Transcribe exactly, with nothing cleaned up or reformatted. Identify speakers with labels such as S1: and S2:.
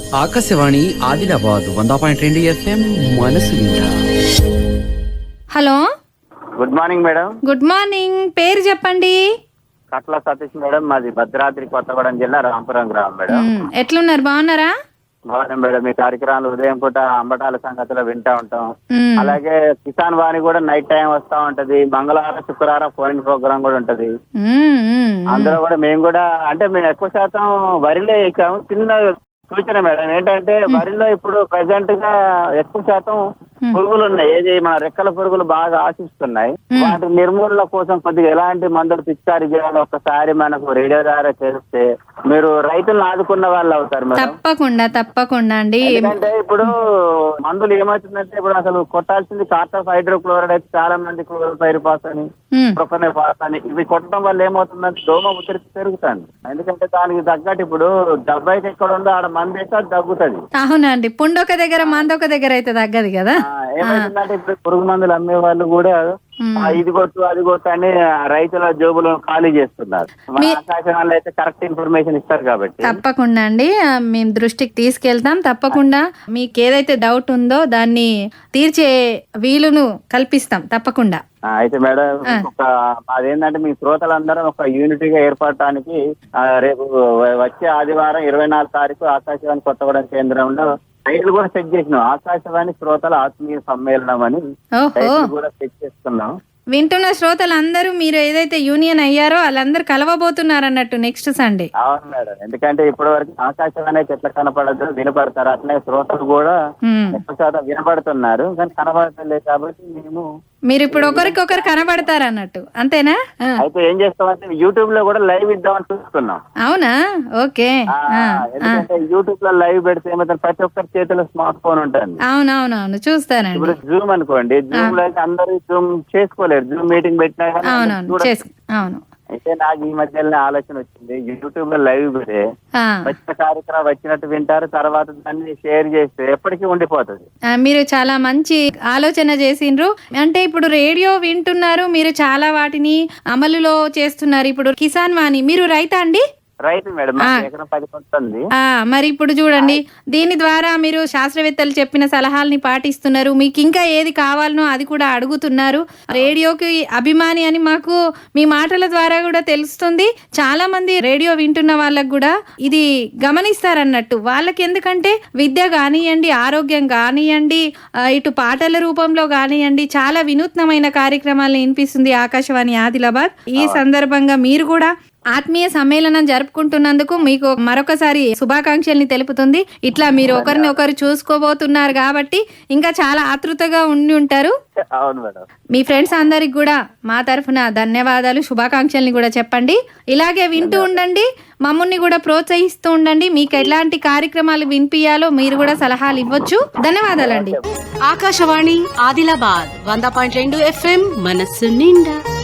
S1: ఆకాశవాణి ఆదిలాబాద్ వంద పాయింట్ రెండు ఎఫ్ఎం మనసు నిండా.
S2: Hello,
S3: good morning madam.
S2: Good morning. పేరు చెప్పండి.
S3: కట్ల సతీష్ మేడం, మాది భద్రాద్రి కొత్తగూడెం జిల్లా రాంపురం గ్రామం మేడం.
S2: మ్, ఎట్లున్నారు, బాగున్నారా?
S3: బాగున్నాం మేడం. మీ కార్యక్రమాలు ఉదయం పూట అంబటాల సంగతిలో వింటా ఉంటాం.
S2: మ్,
S3: అలాగే కిసాన్ వాణి కూడా నైట్ టైం వస్తా ఉంటది. మంగళవారం శుక్రవారం ఫోన్ ప్రోగ్రామ్ కూడా ఉంటది.
S2: మ్, మ్,
S3: అందులో కూడా మేము కూడా అంటే మేము ఎక్కువ శాతం వరిలో ఎక్కాము. చిన్న సూచన మేడం ఏంటంటే వరిలో ఇప్పుడు ప్రెసెంట్ గా ఎక్కువ శాతం పురుగులు ఉన్నాయి. ఏది మన రెక్కల పురుగులు బాగా ఆశిస్తున్నాయి. వాటి నిర్మూలన కోసం కొద్దిగా ఎలాంటి మందులు పిచికారీ చేయాలో ఒకసారి మనకు రేడియో ద్వారా తెలిస్తే మీరు రైతులను ఆదుకున్న వాళ్ళు అవుతారు మేడం.
S2: తప్పకుండా తప్పకుండా అండి.
S3: ఎందుకంటే ఇప్పుడు మందులు ఏమవుతుందంటే ఇప్పుడు అసలు కొట్టాల్సింది కార్టాఫ్ హైడ్రోక్లోరైడ్ అయితే చాలా మంది క్లోరోపైరిఫాస్ అని
S2: మ్,
S3: ప్రొఫెనోఫాస్ అని ఇవి కొట్టడం వల్ల ఏమవుతుందంటే దోమ ఉధృతి పెరుగుతుంది. ఎందుకంటే దానికి తగ్గట్టు ఇప్పుడు డెబ్బైకి ఎక్కడ ఉందో ఆడ మంది అయితే అది తగ్గుతుంది.
S2: అవునండి. పుండొక దగ్గర మందొక దగ్గర అయితే తగ్గదు కదా.
S3: ఏమైతుందంటే ఇప్పుడు పురుగు మందులు అమ్మే వాళ్ళు కూడా ఆ, ఇది కొట్టు అది కొట్టు అని రైతుల జోబులను ఖాళీ చేస్తున్నారు. మన ఆకాశవాణిలో అయితే కరెక్ట్ ఇన్ఫర్మేషన్ ఇస్తారు కాబట్టి
S2: తప్పకుండా అండి, ఆ, మేము దృష్టికి తీసుకెళ్తాం. తప్పకుండా మీకు ఏదైతే డౌట్ ఉందో దాన్ని తీర్చే వీలును కల్పిస్తాం తప్పకుండా.
S3: ఆ, అయితే మేడం ఒక అదేంటంటే మీ శ్రోతలందరం ఒక యూనిటీగా ఏర్పడటానికి ఆ, రేపు వచ్చే ఆదివారం ఇరవై నాలుగు తారీఖు ఆకాశవాణి కొత్తగూడెం కేంద్రంలో టైటిల్ కూడా సెట్ చేసినాం. ఆకాశవాణి శ్రోతల ఆత్మీయ సమ్మేళనం అని
S2: ఓహో,
S3: టైటిల్ కూడా సెట్ చేస్తున్నాం.
S2: వింటున్న శ్రోతలందరూ మీరు ఏదైతే యూనియన్ అయ్యారో వాళ్ళందరూ కలవబోతున్నారు అన్నట్టు నెక్స్ట్ సండే.
S3: అవును మేడం. ఎందుకంటే ఇప్పటి వరకు ఆకాశవాణి అయితే ఎట్లా కనపడదు వినపడతారు, అట్లనే శ్రోతలు కూడా
S2: మ్,
S3: ఎక్కువ శాతం వినపడుతున్నారు కానీ కనపడతలేదు. కాబట్టి మేము
S2: మీరు ఇప్పుడు ఒకరికొకరు కనబడతారు అన్నట్టు, అంతేనా? ఆ,
S3: అయితే ఏం చేస్తామంటే యూట్యూబ్ లో కూడా లైవ్ ఇద్దామని చూస్తున్నాం.
S2: అవునా? ఓకే.
S3: ఆ,
S2: ఆ, ఆ.
S3: ఎందుకంటే యూట్యూబ్ లో లైవ్ పెడితే ఏమైతే ప్రతి ఒక్కరి చేతిలో స్మార్ట్ ఫోన్ ఉంటుంది.
S2: అవునవునవును, చూస్తానండి.
S3: ఇప్పుడు జూమ్ అనుకోండి, జూమ్ లో అయితే అందరూ జూమ్ చేసుకోలేరు. జూమ్ మీటింగ్ పెట్టినా కానీ అందరూ
S2: అవునవును,
S3: చూడలేరు.
S2: చేసు అవును.
S3: అయితే నాకు ఈ మధ్యలోనే ఆలోచన వచ్చింది, యూట్యూబ్ లో లైవ్ పెడితే
S2: ఆ,
S3: వచ్చిన కార్యక్రమం వచ్చినట్టు వింటారు, తర్వాత దాన్ని షేర్ చేస్తే ఎప్పటికీ ఉండిపోతుంది.
S2: ఆ, మీరు చాలా మంచి ఆలోచన చేసిండ్రు. అంటే ఇప్పుడు రేడియో వింటున్నారు, మీరు చాలా వాటిని అమలులో చేస్తున్నారు. ఇప్పుడు కిసాన్ వాణి, మీరు రైతా అండి?
S3: రైతు మేడం, మాకు ఎకరం పది ఉంటుంది.
S2: ఆ, మరి ఇప్పుడు చూడండి, దీని ద్వారా మీరు శాస్త్రవేత్తలు చెప్పిన సలహాలని పాటిస్తున్నారు. మీకు ఇంకా ఏది కావాలనో అది కూడా అడుగుతున్నారు. రేడియోకి అభిమాని అని మాకు మీ మాటల ద్వారా కూడా తెలుస్తుంది. చాలా మంది రేడియో వింటున్న వాళ్ళకు కూడా ఇది గమనిస్తారన్నట్టు. వాళ్ళకి ఎందుకంటే విద్య కానివ్వండి, ఆరోగ్యం కానివ్వండి, ఆ, ఇటు పాటల రూపంలో కానివ్వండి, చాలా వినూత్నమైన కార్యక్రమాలను వినిపిస్తుంది ఆకాశవాణి ఆదిలాబాద్. ఈ సందర్భంగా మీరు కూడా ఆత్మీయ సమ్మేళనం జరుపుకుంటున్నందుకు మీకు మరొకసారి శుభాకాంక్షల్ని తెలుపుతుంది. ఇట్లా మీరు ఒకరిని ఒకరు చూసుకోబోతున్నారు కాబట్టి ఇంకా చాలా ఆతృతగా ఉండి ఉంటారు.
S3: అవును మేడం.
S2: మీ ఫ్రెండ్స్ అందరికి కూడా మా తరఫున ధన్యవాదాలు, శుభాకాంక్షల్ని కూడా చెప్పండి. ఇలాగే వింటూ ఉండండి, మమ్మల్ని కూడా ప్రోత్సహిస్తూ ఉండండి. మీకు ఎలాంటి కార్యక్రమాలు వినిపించాలో మీరు కూడా సలహాలు ఇవ్వచ్చు. ధన్యవాదాలండి.
S4: ఆకాశవాణి ఆదిలాబాద్ వంద పాయింట్ రెండు ఎఫ్ఎం మనస్సు నిండా.